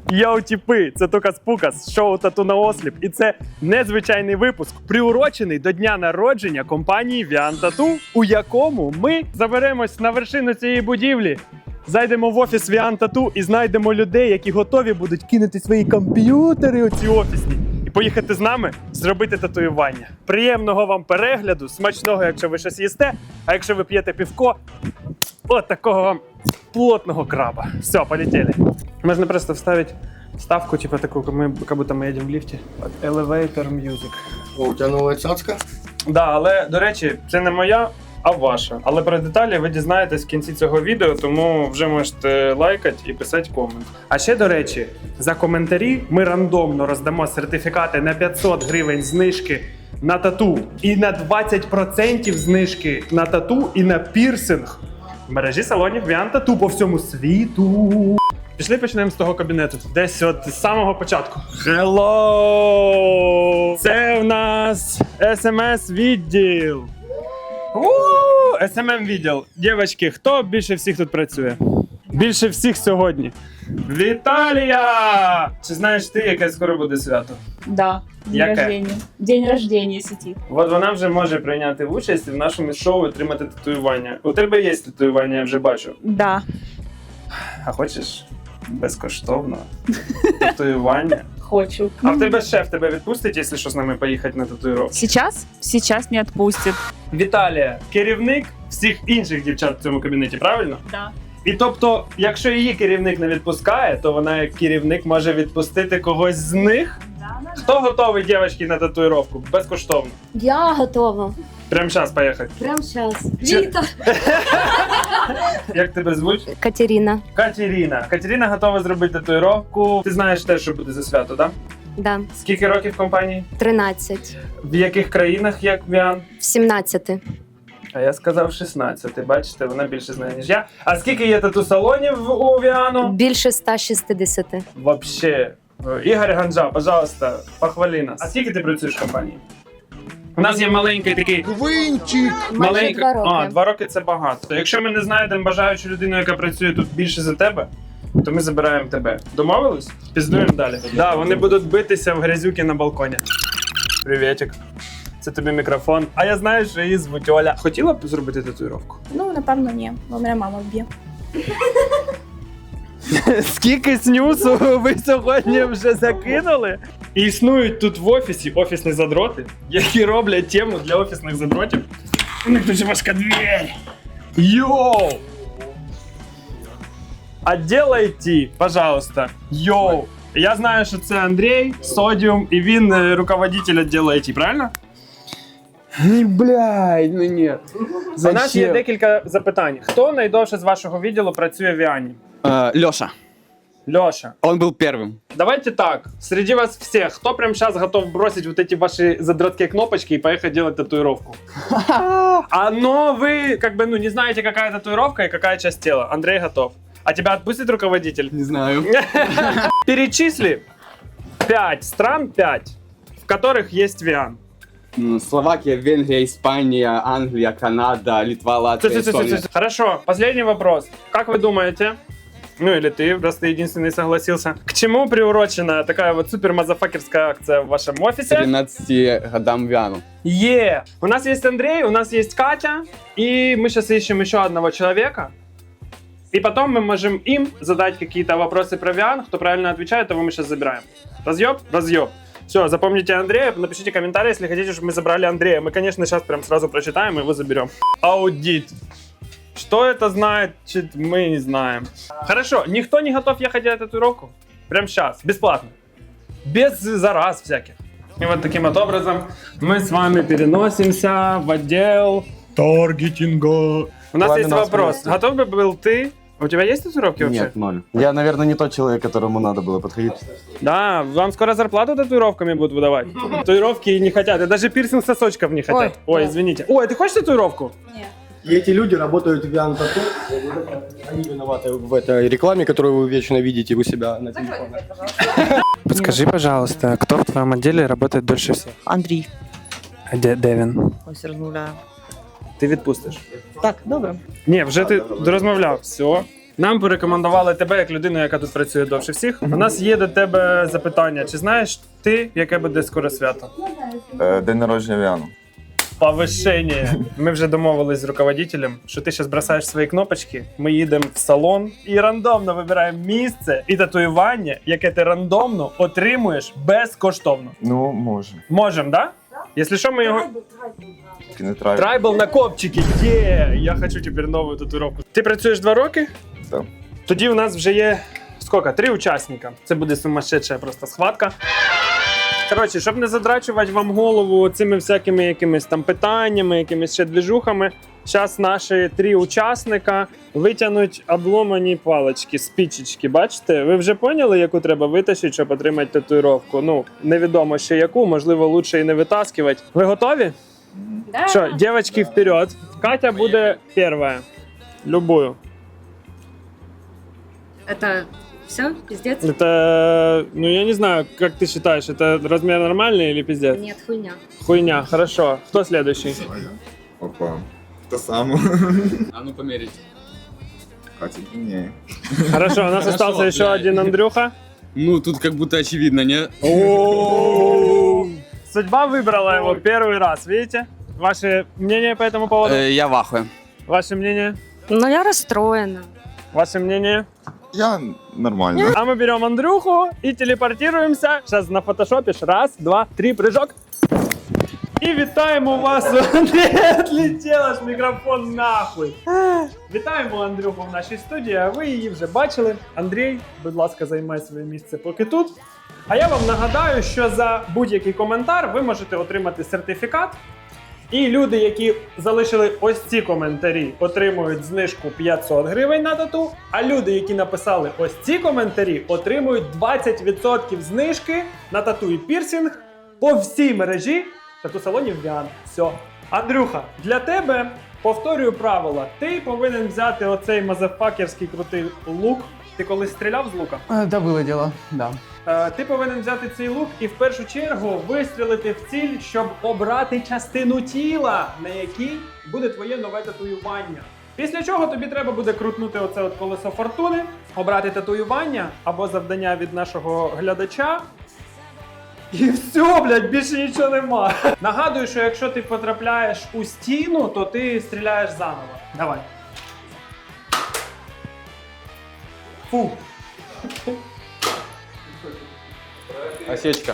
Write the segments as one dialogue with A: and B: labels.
A: Йоу, тіпи, це Тукас-Пукас, шоу «Тату на осліп». І це незвичайний випуск, приурочений до дня народження компанії Віан Тату, у якому ми заберемось на вершину цієї будівлі, зайдемо в офіс Віан Тату і знайдемо людей, які готові будуть кинути свої комп'ютери у ці офісні і поїхати з нами зробити татуювання. Приємного вам перегляду, смачного, якщо ви щось їсте, а якщо ви п'єте півко, от такого вам плотного краба. Все, полетели. Можно просто вставить ставку, типа такую, как будто мы едем в лифте. Elevator Music.
B: О, у тебе нова цяцька?
A: Да, але, до речі, це не моя, а ваша. Але про деталі ви дізнаєтесь в кінці цього відео, тому вже можете лайкати і писати комент. А ще, до речі, за коментарі ми рандомно роздамо сертифікати на 500 гривень знижки на тату і на 20% знижки на тату і на пірсинг в мережі салонів Віан Тату по всьому світу. Пішли почнемо з того кабінету. Десь от з самого початку. Hello! Це в нас SMS-відділ. SMM-відділ. Дівчатки, хто більше всіх тут працює? Більше всіх сьогодні. Віталія! Чи знаєш ти, яке скоро буде свято?
C: Да, день
A: Яке?
C: рождения. День рождения сети.
A: От вона вже може прийняти участь в нашому шоу і отримати татуювання. У тебе є татуювання, я вже бачу.
C: Да.
A: А хочеш безкоштовно татуювання?
C: Хочу.
A: А в тебе шеф тебе відпустить, якщо що, з нами поїхати на татуїровку?
C: Сейчас? Сейчас не отпустит.
A: Віталія, керівник всіх інших дівчат в цьому кабінеті, правильно?
C: Да.
A: І тобто, якщо її керівник не відпускає, то вона як керівник може відпустити когось з них? Хто готовий, дівчатки, на татуїровку? Безкоштовно.
D: Я готова.
A: Прямо зараз поїхати.
D: Прямо зараз.
A: Чи-
D: Віта.
A: Як тебе звуть?
D: Катерина.
A: Катерина. Катерина готова зробити татуїровку. Ти знаєш те, що буде за свято, так?
D: Да.
A: Скільки років в компанії?
D: 13.
A: В яких країнах як Віан?
D: В 17.
A: А я сказав 16. Бачите, вона більше знає, ніж я. А скільки є тату-салонів у Віану?
D: Більше 160.
A: Вообще. Ігор Ганджа, пожалуйста, похвали нас. А скільки ти працюєш в компанії? У нас є маленький такий...
B: Квинчик!
D: Майже 2 роки.
A: А, 2 роки це багато. Якщо ми не знайдемо бажаючу людину, яка працює тут більше за тебе, то ми забираємо тебе. Домовились? Піздуємо далі. Да, вони будуть битися в грязюки на балконі. Привітик. Це тобі мікрофон. А я знаю, що її звуть Оля. Хотіла б зробити татуїровку?
C: Ну, напевно, ні. Бо мене мама вб'є.
A: Скільки снюсу ви сьогодні вже закинули? І існують тут в офісі офісні задроти, які роблять тему для офісних задротів. У них дуже важка двері. Йоу! Отделайте, пожалуйста. Йоу! Я знаю, що це Андрій, Содіум, і він руководитель відділу IT, правильно?
E: Блядь, ну нет.
A: У нас є декілька запитань. Хто найдовше з вашого відділу працює в Віані?
E: Лёша.
A: Льоша.
E: Он был первым.
A: Давайте так, среди вас всех, кто прямо сейчас готов бросить вот эти ваши задроткие кнопочки и поехать делать татуировку? Но вы как бы не знаете, какая татуировка и какая часть тела. Андрей готов. А тебя отпустит руководитель?
E: Не знаю.
A: Перечисли 5 стран, 5, в которых есть Виан.
E: Словакия, Венгрия, Испания, Англия, Канада, Литва, Латвия, Эстония.
A: Хорошо, последний вопрос. Как вы думаете, ну или ты, раз ты единственный согласился, к чему приурочена такая вот супер-мазафакерская акция в вашем офисе?
E: 13 годам Виану.
A: У нас есть Андрей, у нас есть Катя, и мы сейчас ищем еще одного человека. И потом мы можем им задать какие-то вопросы про Виан. Кто правильно отвечает, того мы сейчас забираем. Разъеб? Разъеб. Все, запомните Андрея, напишите комментарий, если хотите, чтобы мы забрали Андрея. Мы, конечно, сейчас прям сразу прочитаем и его заберем. Аудит. Что это значит, мы не знаем. Хорошо, никто не готов ехать делать татуировку? Прям сейчас, бесплатно. Без зараз всяких. И вот таким вот образом мы с вами переносимся в отдел таргетинга. У нас есть вопрос. Готов бы был ты? У тебя есть татуировки вообще?
F: Нет, 0. Я, наверное, не тот человек, которому надо было подходить.
A: Да, вам скоро зарплату татуировками будут выдавать. Татуировки не хотят, и даже пирсинг сосочков не хотят. Ой, извините. Ой, ты хочешь татуировку?
C: Нет.
B: И эти люди работают в Виан Тату. Они виноваты в этой рекламе, которую вы вечно видите у себя на телефоне.
A: Подскажи, пожалуйста, кто в твоем отделе работает дольше всех?
G: Андрій.
A: А де він?
G: Ось розмовляю.
A: Ти відпустиш.
G: Так, добре.
A: Ні, вже ти розмовляв. Все. Нам порекомендували тебе як людину, яка тут працює довше всіх. У нас є до тебе запитання. Чи знаєш ти, яке буде скоро свято?
G: День народження Віану.
A: Повишення. Ми вже домовились з руководителем, що ти зараз бросаєш свої кнопочки, ми їдемо в салон і рандомно вибираємо місце і татуювання, яке ти рандомно отримуєш безкоштовно.
G: Ну, може.
A: Можем, да? Якщо що, ми його...
G: Тільки не трайбл.
A: Трайбл на копчики, є! Я хочу тепер нову татуїровку. Ти працюєш 2 роки?
G: Так.
A: Тоді у нас вже є, скільки? 3 учасника. Це буде сумасшедша просто схватка. Коротше, щоб не задрачувати вам голову цими всякими якимись там питаннями, якимись ще движухами, зараз наші 3 учасника витягнуть обломані палички, спічечки, бачите? Ви вже поняли, яку треба витащити, щоб отримати татуїровку? Ну, невідомо ще яку, можливо, лучше і не витаскувати. Ви готові?
C: Да.
A: Що, девочки, вперед. Катя буде перша. Любую.
D: Это все? Пиздец?
A: Это, ну я не знаю, как ты считаешь, это размер нормальный или пиздец?
D: Нет, хуйня.
A: Хуйня, хорошо. Кто следующий?
G: Опа. Те саме.
E: А ну померить.
G: Катя длиннее.
A: Хорошо, у нас
E: Хорошо,
A: остался еще
E: блядь.
A: один Андрюха.
E: Ну, тут как будто очевидно, не?
A: Судьба выбрала его первый раз, видите? Ваше мнение по этому поводу?
E: Я в ахуе.
A: Ваше мнение?
D: Ну, я расстроена.
A: Ваше мнение?
G: Я нормально.
A: А мы берем Андрюху и телепортируемся. Сейчас нафотошопишь. 1, 2, 3, прыжок. І вітаємо вас. Не отлетел аж мікрофон нахуй. Вітаємо Андрюху в нашій студії, а ви її вже бачили. Андрій, будь ласка, займай своє місце поки тут. А я вам нагадаю, що за будь-який коментар ви можете отримати сертифікат. І люди, які залишили ось ці коментарі, отримують знижку 500 гривень на тату. А люди, які написали ось ці коментарі, отримують 20% знижки на тату і пірсінг по всій мережі тату-салонів Віан. Все. Андрюха, для тебе повторюю правила. Ти повинен взяти оцей мазафакерський крутий лук. Ти колись стріляв з лука?
H: Да, было дело, да.
A: Ти повинен взяти цей лук і в першу чергу вистрілити в ціль, щоб обрати частину тіла, на якій буде твоє нове татуювання. Після чого тобі треба буде крутнути оце от колесо фортуни, обрати татуювання або завдання від нашого глядача. І все, блядь, більше нічого нема. Нагадую, що якщо ти потрапляєш у стіну, то ти стріляєш заново. Давай. Фу.
E: Осечка.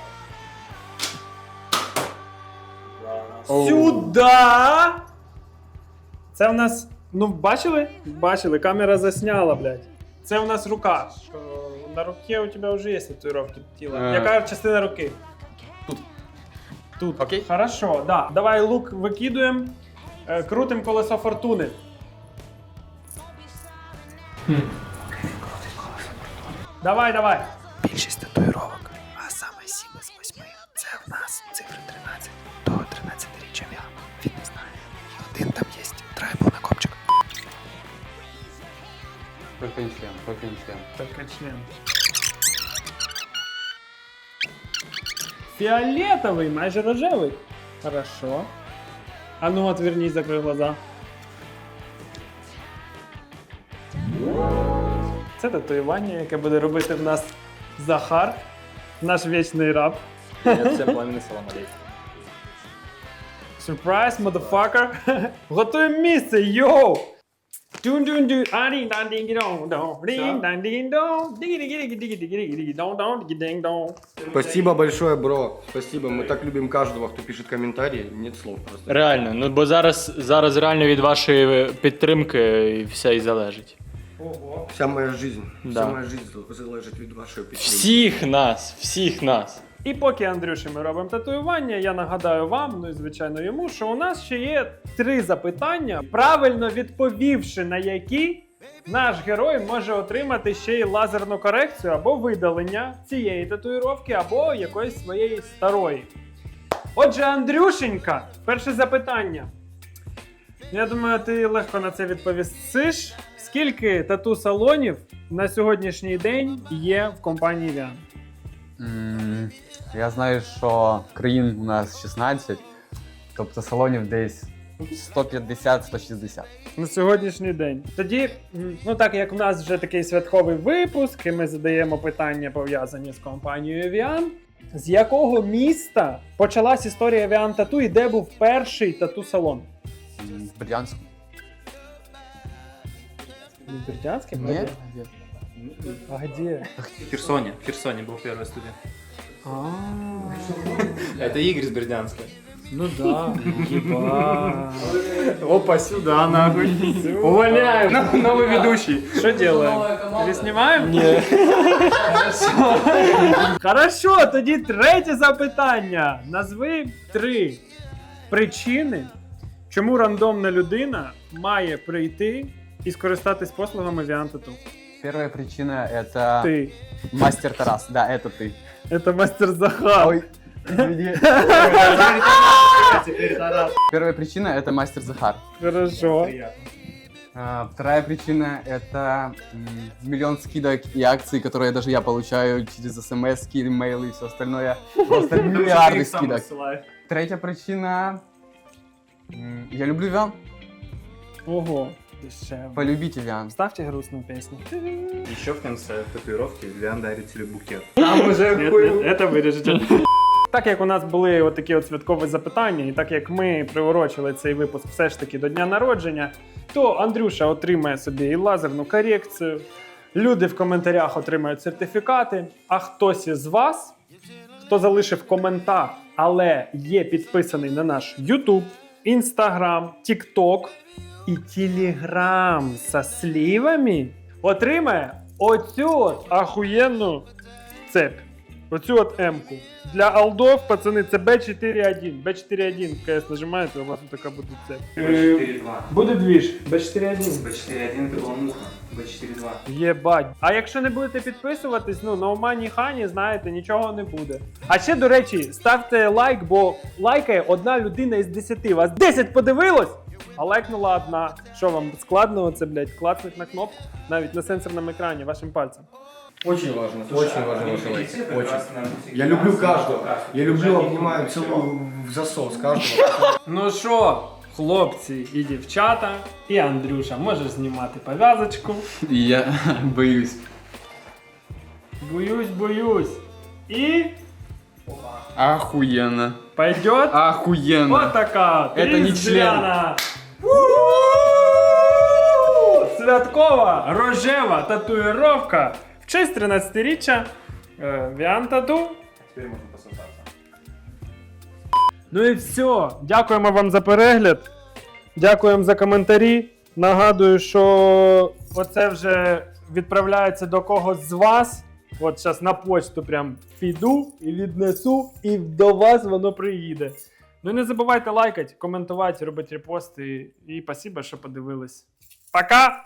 A: Сюда! Це в нас. Ну, бачили? Бачили, камера засняла, блядь. Це в нас рука. На руке у тебе вже є татуїровки тіла. Яка частина руки?
E: Тут.
A: Тут.
E: Окей.
A: Хорошо, да. Давай лук викидуємо. Крутим колесо фортуни. Давай, давай. Більшість татуїровок, а саме 7 з 8 це в нас цифри 13 до 13-річчя Віану. Він не знає. І один там є трайбл на копчик.
E: Только не член, только не член.
A: Только член. Фиолетовый, майже рожевый. Хорошо. А ну отвернись, закрой глаза. Це татуювання, яке буде робити в нас Захар, наш вічний раб.
I: Всем пламенный салам алейкум.
A: Surprise, motherfucker. Готуємо місце, йоу! Дун-дун-дун,
B: Спасибо большое, бро. Спасибо. Мы так любим каждого, кто пишет комментарии. Нет слов просто.
I: Реально, ну бо зараз реально від вашої підтримки все і залежить.
A: Ого.
B: Вся моя жизнь.
I: Да.
B: Вся моя жизнь залежит від вашої підтримки.
I: Всіх нас.
A: І поки Андрюші ми робимо татуювання, я нагадаю вам, ну і звичайно йому, що у нас ще є 3 запитання, правильно відповівши на які наш герой може отримати ще й лазерну корекцію або видалення цієї татуїровки, або якоїсь своєї старої. Отже, Андрюшенька, перше запитання. Я думаю, ти легко на це відповісиш. Скільки тату-салонів на сьогоднішній день є в компанії Віан?
J: Я знаю, що країн у нас 16, тобто салонів десь
E: 150-160.
A: На сьогоднішній день. Тоді, ну так як у нас вже такий святковий випуск, і ми задаємо питання пов'язані з компанією Evian, з якого міста почалась історія Evian Tattoo і де був перший тату-салон?
E: В Бердянску.
A: В Бердянске?
E: Нет?
A: А где?
H: В Херсоне был первый студент.
A: А,
H: Это Игорь из Бердянска.
A: ну да. Еба.
H: Опа, сюда, нахуй. Увольняем. Новый ведущий.
A: Что делаем? Переснимаем? Ні. Хорошо, тоді третє запитання. Назви 3 причини, чому рандомна людина має прийти і скористатись послугами Evian Tattoo.
E: Первая причина это
A: Ти.
E: мастер Тарас. Да, это ты.
A: Це мастер Захар.
E: Ой, извини. Первая причина это мастер Захар.
A: Хорошо.
E: Вторая причина это миллион скидок и акций, которые даже я получаю через смс, имейлы и все остальное. Просто миллиарды скидок. Третья причина. Я люблю Evian.
A: Ого. Дешево.
E: Полюбите Evian.
A: Ставьте грустную песню.
H: Еще в конце татуировки Виан дарит тебе букет.
A: Там уже це виріжете. Так як у нас були отакі от святкові запитання, і так як ми приурочили цей випуск все ж таки до дня народження, то Андрюша отримає собі і лазерну корекцію, люди в коментарях отримають сертифікати, а хтось із вас, хто залишив коментар, але є підписаний на наш YouTube, Instagram, TikTok і Telegram со сливами, отримає оцю от ахуєнну цепь. Оцю от М-ку. Для алдов, пацани, це B41. B41 в КС нажимаєте, у вас така буде цепь.
H: B4.2.
A: Буде двіж. B41.
H: B4.1 это была муха. B4.2.
A: Єбать. А якщо не будете підписуватись, ну, на Умані Хані, знаєте, нічого не буде. А ще, до речі, ставте лайк, бо лайкає одна людина із 10. Вас 10 подивилось, а лайкнула одна. Що вам складно оце, блядь, клацнуть на кнопку? Навіть на сенсорному екрані, вашим пальцем.
B: Очень важно ваши лайки. Очень. Я люблю каждого. Я люблю, обнимаю, целую в засос каждого.
A: Ну що, хлопці і дівчата, і Андрюша, можеш знімати пов'язочку.
E: Я боюсь.
A: Боюсь. І
E: Охуенно.
A: пойдет
E: Охуенно.
A: вот така.
E: Это не
A: різдвяна. Святкова рожева татуїровка в честь 13-річчя Evian Tattoo.
H: Теперь можно пососаться.
A: Ну і все. Дякуємо вам за перегляд. Дякуємо за коментарі. Нагадую, що оце вже відправляється до когось з вас. От зараз на почту прям піду і віднесу, і до вас воно приїде. Ну і не забувайте лайкати, коментувати, робити репости. І спасибо, що подивились. Пока!